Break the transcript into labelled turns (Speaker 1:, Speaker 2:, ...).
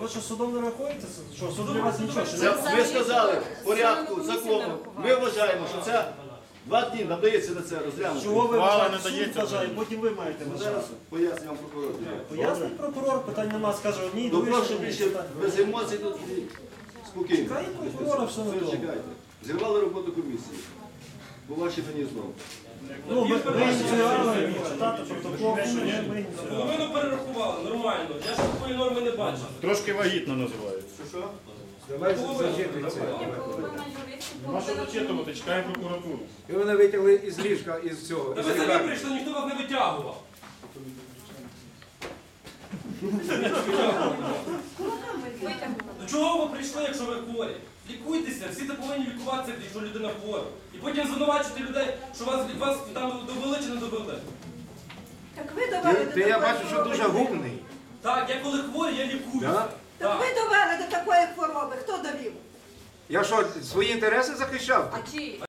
Speaker 1: ви що, судом не рахуєте? Що, суд для вас нічого? Що не-
Speaker 2: Ми сказали в порядку, закону. Ми вважаємо, що це 2 дні надається на це розглянути.
Speaker 1: Чого ви
Speaker 3: Ухвала
Speaker 1: вважаєте,
Speaker 3: не
Speaker 1: суд
Speaker 3: дається.
Speaker 1: вважає, потім ви маєте
Speaker 2: Зараз
Speaker 1: вважати.
Speaker 2: поясню вам прокурор.
Speaker 1: Пояснить прокурор, питань нема, скаже одній,
Speaker 2: Ну
Speaker 1: другій,
Speaker 2: прошу
Speaker 1: що ні.
Speaker 2: більше без емоцій тут спокійно.
Speaker 1: Чекає прокурора, все на
Speaker 2: Все,
Speaker 1: тому.
Speaker 2: чекайте. Зірвали роботу комісії. По вашій мені знову.
Speaker 1: Ну, ви ініціювали читати протокол, ми ініціювали.
Speaker 4: Половину перерахували, нормально. Я ж такої норми не бачив.
Speaker 3: Трошки вагітно називається.
Speaker 2: Що?
Speaker 3: Нема що зачитувати, чекаємо прокуратуру.
Speaker 5: І вони витягли із ліжка, із цього.
Speaker 4: Та
Speaker 5: із
Speaker 4: ви самі
Speaker 5: лікарні.
Speaker 4: прийшли, ніхто вас не витягував. До чого ви прийшли, якщо ви хворі? Лікуйтеся, всі це повинні лікуватися, якщо людина хвора. І потім звинувачувати людей, що вас там довели чи не довели.
Speaker 6: Так ви довели
Speaker 5: Ти, я бачу, що дуже гумний.
Speaker 4: Так, я коли хворий, я лікуюся.
Speaker 5: Да?
Speaker 6: Так ви довели до такої хвороби. Хто довів?
Speaker 5: Я що, свої інтереси захищав?
Speaker 6: А чиї?